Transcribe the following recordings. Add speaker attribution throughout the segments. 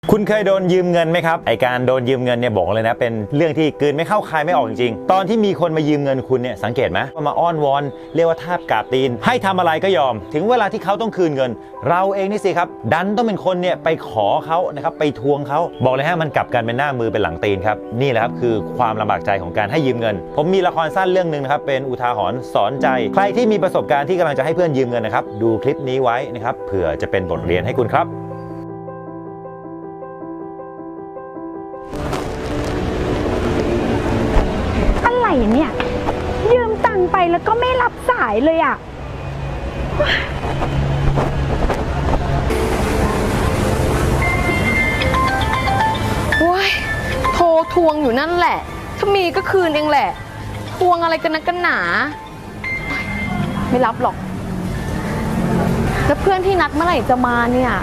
Speaker 1: คุณเคยโดนยืมเงินไหมครับไอการโดนยืมเงินเนี่ยบอกเลยนะเป็นเรื่องที่กลืนไม่เข้าคายไม่ออกจริงๆตอนที่มีคนมายืมเงินคุณเนี่ยสังเกตไหมมาอ้อนวอนเรียกว่าทาบกราบตีนให้ทำอะไรก็ยอมถึงเวลาที่เขาต้องคืนเงินเราเองนี่สิครับดันต้องเป็นคนเนี่ยไปขอเขานะครับไปทวงเขาบอกเลยฮะมันกลับกันเป็นหน้ามือเป็นหลังตีนครับนี่แหละครับคือความลำบากใจของการให้ยืมเงินผมมีละครสั้นเรื่องนึงนะครับเป็นอุทาหรณ์สอนใจใครที่มีประสบการณ์ที่กำลังจะให้เพื่อนยืมเงินนะครับดูคลิปนี้ไว้นะครับเผื่อจะเป็นบทเรียนให้คุณครับ
Speaker 2: อะไรเนี่ยยืมตังค์ไปแล้วก็ไม่รับสายเลยอ่ะ
Speaker 3: โอ้ยโทรทวงอยู่นั่นแหละถ้ามีก็คืนเองแหละทวงอะไรกันนักกันหนาไม่รับหรอกแล้วเพื่อนที่นัดเมื่อไหร่จะมาเนี่ย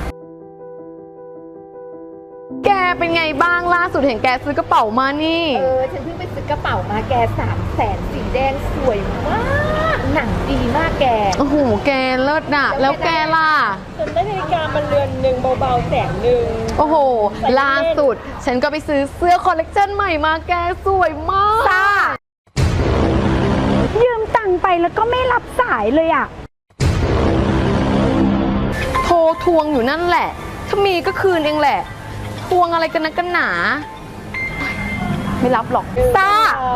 Speaker 3: แกเป็นไงบ้างล่าสุดเห็นแกซื้อกระเป๋ามานี่
Speaker 4: ฉันเพิ่งไปซื้อกระเป๋ามาแก300,000สีแดงสวยมากหนังดีมากแก
Speaker 3: โอ้โหแกเลิศน่ะแล้วแกล่ะ
Speaker 4: ฉันได้นาฬิกามาเรือนหนึ่งเบาๆ100,000
Speaker 3: โอ้โหล่าสุดฉันก็ไปซื้อเสื้อคอลเลกชันใหม่มาแกสวยมาก
Speaker 2: ซ่ายืมตังค์ไปแล้วก็ไม่รับสายเลยอ่ะ
Speaker 3: โทรทวงอยู่นั่นแหละถ้ามีก็คืนเองแหละทวงอะไรกันนักกันหนาไม่รับหรอก
Speaker 2: ซ่า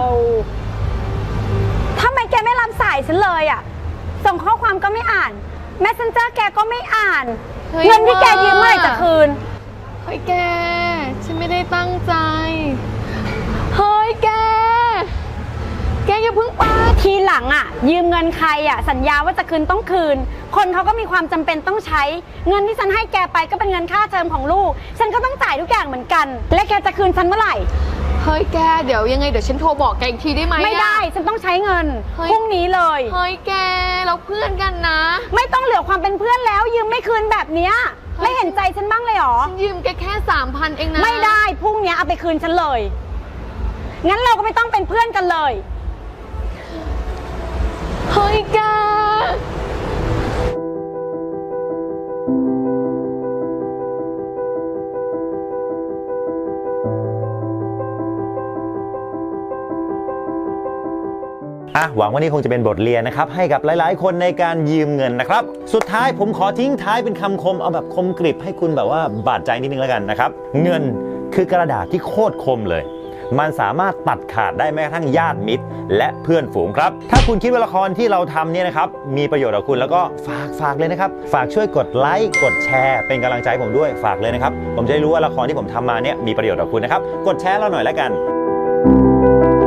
Speaker 2: ทำไมแกไม่รับสายฉันเลยอ่ะส่งข้อความก็ไม่อ่าน Messenger แกก็ไม่อ่านเงินที่แกยืมเมื่อไหร่จะคืน
Speaker 3: เฮ้ยแกฉันไม่ได้ตั้งใจเฮ้ยแกอย่าเพิ่งไป
Speaker 2: ทีหลังอ่ะยืมเงินใครอ่ะสัญญาว่าจะคืนต้องคืนคนเขาก็มีความจำเป็นต้องใช้เงินที่ฉันให้แกไปก็เป็นเงินค่าเทอมของลูกฉันก็ต้องจ่ายทุกอย่างเหมือนกันและแกจะคืนฉันเมื่อไหร่
Speaker 3: เฮ้ยแกเดี๋ยวยังไงเดี๋ยวฉันโทรบอกแกอีกทีได้ไหม
Speaker 2: ไม่ได้ฉันต้องใช้เงินพรุ่งนี้เลย
Speaker 3: เฮ้ยแกเราเพื่อนกันนะ
Speaker 2: ไม่ต้องเหลือความเป็นเพื่อนแล้วยืมไม่คืนแบบเนี้ยไม่เห็นใจฉันบ้างเลยหรอ
Speaker 3: ฉันยืมแกแค่ 3,000 เองนะ
Speaker 2: ไม่ได้พรุ่งนี้เอาไปคืนฉันเลยงั้นเราก็ไม่ต้องเป็นเพื่อนกันเลย
Speaker 3: เฮ้ยแก
Speaker 1: หวังว่านี่คงจะเป็นบทเรียนนะครับให้กับหลายๆคนในการยืมเงินนะครับสุดท้ายผมขอทิ้งท้ายเป็นคำคมเอาแบบคมกริบให้คุณแบบว่าบาดใจนิดนึงแล้วกันนะครับเงินคือกระดาษที่โคตรคมเลยมันสามารถตัดขาดได้แม้กระทั่งญาติมิตรและเพื่อนฝูงครับถ้าคุณคิดว่าละครที่เราทำเนี่ยนะครับมีประโยชน์กับคุณแล้วก็ฝากเลยนะครับฝากช่วยกดไลค์กดแชร์เป็นกำลังใจผมด้วยฝากเลยนะครับผมจะได้รู้ว่าละครที่ผมทำมาเนี่ยมีประโยชน์กับคุณนะครับกดแชร์เราหน่อยแล้วกัน